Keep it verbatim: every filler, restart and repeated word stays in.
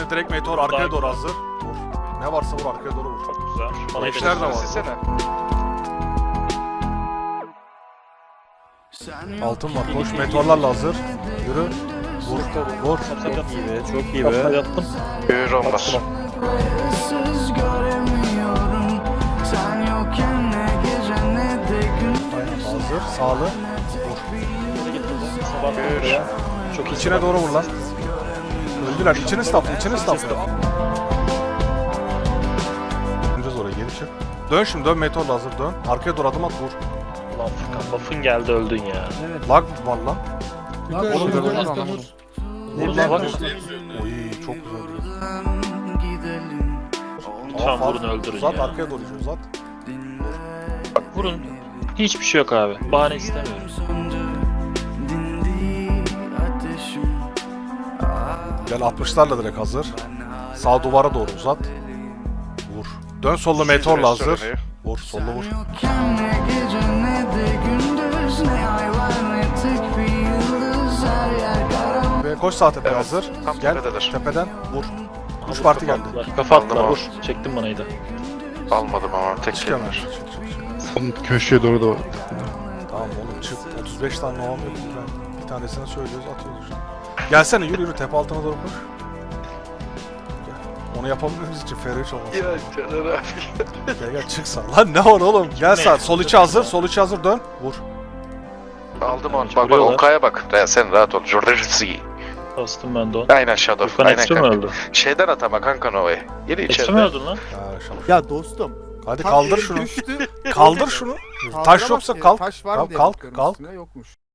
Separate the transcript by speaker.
Speaker 1: Sağ direkt meteor arkaya doğru hazır. Vur. Ne varsa vur arkaya doğru vur.
Speaker 2: Çok güzel. Bana
Speaker 1: Eşler de var.
Speaker 3: Silsene.
Speaker 1: Altın var. Koş meteorlarla hazır. Yürü. Vur. Vur.
Speaker 2: Çok iyi be.
Speaker 4: Çok iyi
Speaker 2: Kafaya
Speaker 4: be.
Speaker 2: yattım.
Speaker 3: Yürü olmaz.
Speaker 1: Aynen hazır. Sağlı.
Speaker 2: Sabah
Speaker 3: Yürü.
Speaker 2: ya. Çok iyi.
Speaker 1: İçine doğru vur lan. Öldüler. İçini stafla. İçini stafla. Döneceğiz oraya. Geri çık. Dön şimdi. Dön meteorla hazır. Dön. Arkaya doğru adım at. Vur.
Speaker 2: Ulan Furkan buff'ın geldi öldün ya.
Speaker 1: Lag var lan.
Speaker 4: Oğlum
Speaker 1: dur, dur,
Speaker 2: Vuruna bak.
Speaker 1: Oy çok güzel.
Speaker 2: Lütfen vurun öldürün
Speaker 1: Uzat
Speaker 2: ya.
Speaker 1: arkaya doğru uzat.
Speaker 2: Bak vurun. Hiçbir şey yok abi. Bahane istemiyorum.
Speaker 1: Gel altmışlarla direkt hazır. Sağ duvara doğru uzat. Vur. Dön sollu meteorla hazır. Vur sollu vur. Ve koş sağ tepeye
Speaker 3: Evet,
Speaker 1: hazır.
Speaker 3: tam
Speaker 1: Gel
Speaker 3: tepededir.
Speaker 1: tepeden vur. Üç
Speaker 2: Abi
Speaker 1: parti
Speaker 2: kafa
Speaker 1: geldi.
Speaker 2: attılar. Kafa
Speaker 3: Aldım
Speaker 2: attılar
Speaker 3: abi.
Speaker 2: vur. Çektim banayı da.
Speaker 3: Almadım ama tek
Speaker 1: Çık hemen.
Speaker 3: kelime.
Speaker 1: Çık, çık, çık.
Speaker 4: Onun köşeye doğru da var.
Speaker 1: Tamam oğlum çık. otuz beş tane novam yok. Ben bir tanesini söylüyoruz atıyoruz. Gelsene yürü yürü tepe altına doğru koş. Gel. Onu yapabilmemiz için F R üç olması.
Speaker 3: Ya Caner abi.
Speaker 1: Gel gel çık sağ. Lan ne var oğlum? Gel sağ. Sol içi hazır. Sol içi hazır dön. Vur.
Speaker 3: Aldım onu.
Speaker 2: Hiç
Speaker 3: Bak bak
Speaker 2: vuruyorlar.
Speaker 3: Onkay'a bak. Ya sen rahat ol. Jordan'si.
Speaker 2: Bastım ben de onu.
Speaker 3: Aynen Shadow.
Speaker 2: Furkan
Speaker 3: Aynen
Speaker 2: ekstra mı
Speaker 3: kanka.
Speaker 2: öldü?
Speaker 3: Şeyden at ama kanka Nova'yı. Geri
Speaker 2: Ekstra mı
Speaker 3: içeride.
Speaker 2: öldün lan?
Speaker 1: Ya şapş.
Speaker 5: Ya dostum.
Speaker 1: Hadi
Speaker 5: tam
Speaker 1: kaldır
Speaker 5: elim
Speaker 1: şunu.
Speaker 5: düştü.
Speaker 1: Kaldır şunu. Taş
Speaker 5: Kaldıramaz
Speaker 1: yoksa
Speaker 5: ki.
Speaker 1: kalk.
Speaker 5: Taş var
Speaker 1: Tamam,
Speaker 5: mı diye
Speaker 1: kalk,
Speaker 5: bakıyorum
Speaker 1: kalk.
Speaker 5: üstüne, yokmuş.